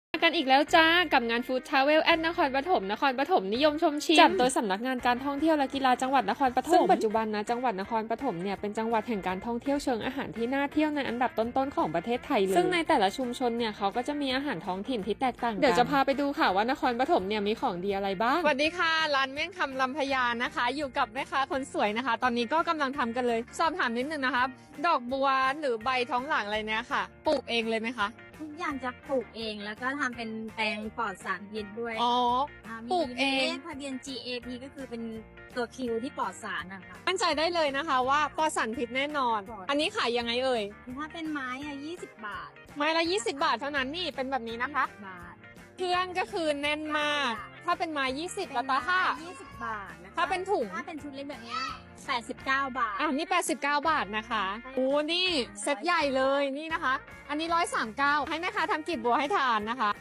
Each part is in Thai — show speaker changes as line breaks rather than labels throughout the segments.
กันอีกแล้วจ้ากับงานฟู้ดทราเวลแอดนครปฐมนิยมชมชิมจัดโดยสำนักงานการท่องเที่ยวและกีฬาจังหวัดนครปฐมซึ่งปัจจุบันนะจังหวัดนครปฐมเนี่ยเป็นจังหวัดแห่งการท่องเที่ยวเชิงอาหารที่น่าเที่ยวในอันดับต้นๆของประเทศไทยเลยซึ่งในแต่ละชุมชนเนี่ยเขาก็จะมีอาหารท้องถิ่นที่แตกต่างกันเดี๋ยวจะพาไปดูค่ะว่านครปฐมเนี่ยมีของดีอะไรบ้างสวัสดีค่ะร้านเมี่ยงคำลำพญานะคะอยู่กับแม่ค้าคนสวยนะคะตอนนี้ก็กำลังทำกันเลยสอบถามนิดนึงนะคะดอกบัวหรือใบท้องหลังอะไรเนี่ยค่ะปลูกเองเลยไหมคะ
ทุกอย่างจะปลูกเองแล้วก็ทำเป็นแปลงปลอดสารพิษด้วย
อ๋อปลูกเอง
มีเลขทะเบียน GAP ก็คือเป็นตัวคิวที่ปลอดสารนะคะ
มั่นใจได้เลยนะคะว่าปลอดสารพิษแน่นอนอันนี้ขายยังไงเอ่ย
ถ้าเป็นไม้อะ20 บาท
ไม้ละ20 บาทเท่านั้นนี่เป็นแบบนี้นะคะ
บาท
เครื่องก็คือแน่นมากถ้าเป็นไม้20แล้วตาค่า
20 บาทนะคะ
ถ้าเป็นถุง
ถ้าเป็นชุดเล็กแบบนี้89 บาท
นี่89 บาทนะคะโอ้นี่เซตใหญ่เลยนี่นะคะอันนี้139ให้แม่ค้าทำกลีบบัวให้ทานนะคะ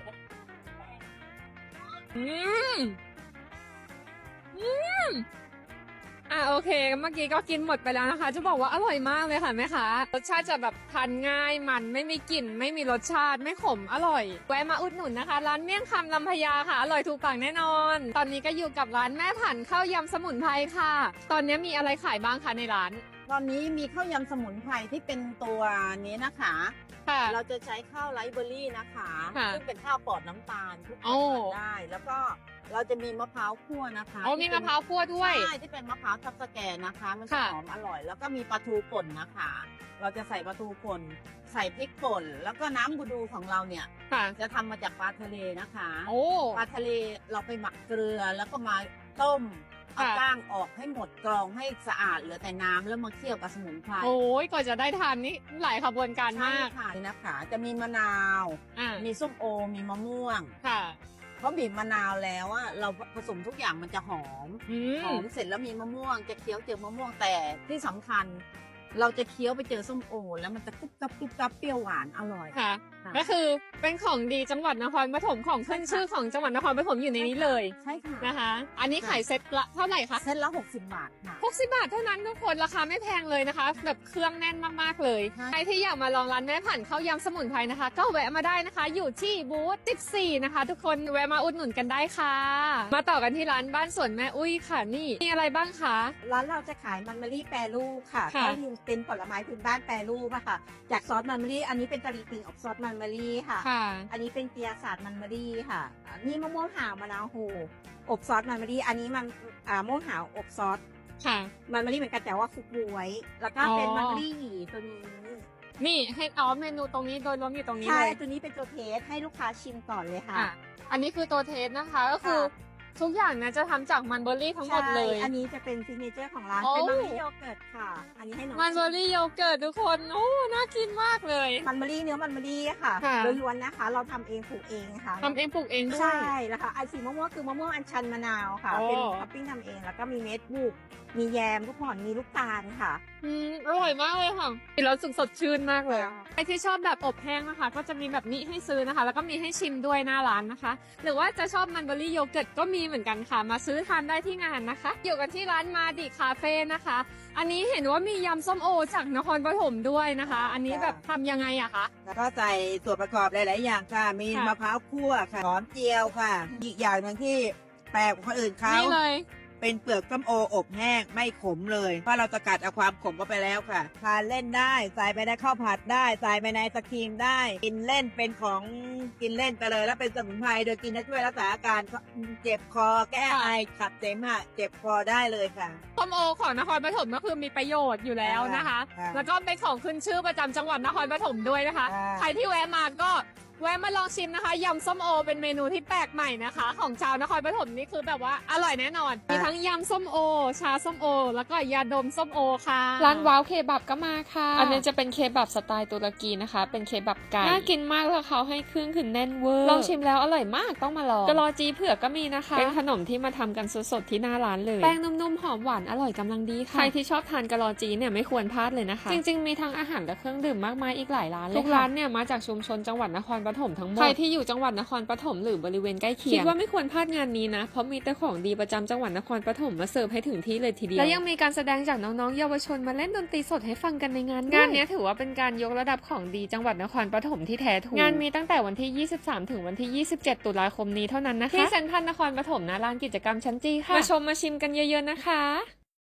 โอเคเมื่อกี้ก็กินหมดไปแล้วนะคะจะบอกว่าอร่อยมากเลยค่ะแม่ค้ารสชาติจะแบบทานง่ายมันไม่มีกลิ่นไม่มีรสชาติไม่ขมอร่อยแวะมาอุดหนุนนะคะร้านเมี่ยงคำลำพญาค่ะอร่อยถูกปากแน่นอนตอนนี้ก็อยู่กับร้านแม่ผันข้าวยำสมุนไพรค่ะ ตอนนี้มีอะไรขายบ้างคะในร้าน
ตอนนี้มีข้าวยำสมุนไพรที่เป็นตัวนี้นะคะเราจะใช้ข้าวไรซ์เบอร์รี่นะคะซึ่งเป็นข้าวปลอดน้ำตาลทุกคนทานได้แล้วก็เราจะมีมะพร้าวคั่วนะคะ
มีมะพร้าวคั่วด้วย
ใช่ที่เป็นมะพร้าวทับสแกนนะคะมันจะหอมอร่อยแล้วก็มีปลาทูป่นนะคะเราจะใส่ปลาทูป่นใส่พริกป่นแล้วก็น้ำบูดูของเราเนี่ยจะทำมาจากปลาทะเลนะคะปลาทะเลเราไปหมักเกลือแล้วก็มาต้มเอาก้างออกให้หมดกรองให้สะอาดเหลือแต่น้ำแล้วมาเคี่ยวกับสมุนไพร
โอ้ยก่อนจะได้ทานนี่หลายขบวนการมาก
ค่ะนี่นะคะจะมีมะนาวมีส้มโอมีมะม่วงเพราะบีบมะนาวแล้วอะเราผสมทุกอย่างมันจะหอมเสร็จแล้วมีมะม่วงจะเคี้ยวเจอมะม่วงแต่ที่สำคัญเราจะเคี้ยวไปเจอส้มโอแล้วมันจะกรุบกรับเปรี้ยวหวานอร่อย
ค่ะก็คือเป็นของดีจังหวัดนครปฐมของขึ้นชื่อของจังหวัดนครปฐมอยู่ในนี้เลย
ใช่ค่ะ
นะคะอันนี้ขายเซ็ตละเท่าไหร่คะ
เซ็ตละ60 บาทค่ะ
60 บาทเท่านั้นทุกคนราคาไม่แพงเลยนะคะแบบเครื่องแน่นมากๆเลยใครที่อยากมาลองร้านแม่ผันข้าวยำสมุนไพรนะคะก็แวะมาได้นะคะอยู่ที่บูธ14นะคะทุกคนแวะมาอุดหนุนกันได้ค่ะมาต่อกันที่ร้านบ้านสวนแม่อุ้ยค่ะนี่มีอะไรบ้างคะ
ร้านเราจะขายมันมะลิแปรรูปค่ะก็เป็นผลไม้พื้นบ้านแปรรูปค่ะจากซอสมันมะลิอันนี้เป็นตะลิปิงอบซอสมันมะลิค่ะอันนี้เป็นเปียศาสตร์มันมะลิค่ะนี่มะม่วงหาวมะนาวโหอบซอสมันมะลิอันนี้มันมะม่วงหาวอบซอสมันมะลิเหมือนกันแต่ว่าฟุกบวยแล้วก็เป็นมันมะลิหยีตัวนี้
นี่ให้เมนูตรงนี้โดยรวมอยู่ตรงนี้
เลย
ใช่
ตัวนี้เป็นตัวเทสให้ลูกค้าชิมก่อนเลยค่ะ
อันนี้คือตัวเทสนะคะก็คือทุกอย่างนะจะทำจากมันเบอร์รี่ทั้งหมดเลย
อันนี้จะเป็นซิกเนเจอร์ของร้านเป็นมันเบอร์รี่โยเกิร์ตค่ะอันนี้ให้น้อง
มันเบอร์รี่โยเกิร์ตทุกคนโอ้น่ากินมากเลย
มันเบอร์รี่เนื้อมันเบอร์รี่ค่ะล้วนๆนะคะเราทำเองปลูกเองค่ะ
ทำเองปลูกเองด้วย
ใช่แล้วค่ะไอสีมะม่วงคือมะม่วงอัญชันมะนาวค่ะเป็นท็อปปิ้งทำเองแล้วก็มีเม็ดบุกมีแยมทุกคนมีลูกตาลค่ะ
อร่อยมากเลยค่ะกินแล้วสดชื่นมากเลยใครที่ชอบแบบอบแห้งนะคะก็จะมีแบบนี้ให้ซื้อนะคะแล้วก็มีให้ชิมด้วยหน้าร้านนะคะหรือว่าจะชอบมันเบอร์รี่โยเกิร์ตก็มีเหมือนกันค่ะมาซื้อทานได้ที่งานนะคะอยู่กันที่ร้านมาดิคาเฟ่นะคะอันนี้เห็นว่ามียำส้มโอจากนครปฐมด้วยนะคะอันนี้แบบทำยังไงอะคะ
แล้วก็ใส่ส่วนประกอบหลายๆอย่างค่ะมีมะพร้าวคั่วค่ะหอมเจียวค่ะอีกอย่างหนึ่งที่แปลกกว่าคนอื่นเขา
นี่เลย
เป็นเปลือกส้มโออบแห้งไม่ขมเลยเพราะเราสกัดเอาความขมเข้าไปแล้วค่ะทานเล่นได้ใส่ไปในข้าวผัดได้ใส่ไปในสครีมได้กินเล่นเป็นของกินเล่นไปเลยแล้วเป็นสมุนไพรโดยกินได้ช่วยรักษาอาการเจ็บคอแก้ไอขับเสมหะเจ็บคอได้เลยค่ะ
ส้มโอของนครปฐมก็คือมีประโยชน์อยู่แล้วนะคะแล้วก็เป็นของขึ้นชื่อประจำจังหวัดนครปฐมด้วยนะคะใครที่แวะมาก็แวะมาลองชิมนะคะยำส้มโอเป็นเมนูที่แปลกใหม่นะคะของชาวนครปฐมนี่คือแบบว่าอร่อยแน่นอนมีทั้งยำส้มโอชาส้มโอแล้วก็ยาดมส้มโอค่ะร้านว้าวเคบับก็มาค่ะอันนี้จะเป็นเคบับสไตล์ตุรกีนะคะเป็นเคบับไก่น่ากินมากแล้วเขาให้เครื่องคือแน่นเวอร์ลองชิมแล้วอร่อยมากต้องมาลองกะลอจีเผือกก็มีนะคะเป็นขนมที่มาทำกันสดๆที่หน้าร้านเลยแป้งนุ่มๆหอมหวานอร่อยกำลังดีค่ะใครที่ชอบทานกะลอจีเนี่ยไม่ควรพลาดเลยนะคะจริงๆมีทั้งอาหารและเครื่องดื่มมากมายอีกหลายร้านเลยทุกร้านเนี่ยมาจากชุมชนจังหวัดนครปฐมทั้งหมดใครที่อยู่จังหวัดนครปฐมหรือบริเวณใกล้เคียงคิดว่าไม่ควรพลาดงานนี้นะเพราะมีแต่ของดีประจำจังหวัดนครปฐมมาเสิร์ฟให้ถึงที่เลยทีเดียวและยังมีการแสดงจากน้องๆเยาวชนมาเล่นดนตรีสดให้ฟังกันในงานนี้ถือว่าเป็นการยกระดับของดีจังหวัดนครปฐมที่แท้ถูกงานมีตั้งแต่วันที่23ถึงวันที่27ตุลาคมนี้เท่านั้นนะคะที่เซ็นทรัลนครปฐมนะลานกิจกรรมชั้นจีค่ะมาชมมาชิมกันเยอะๆนะคะ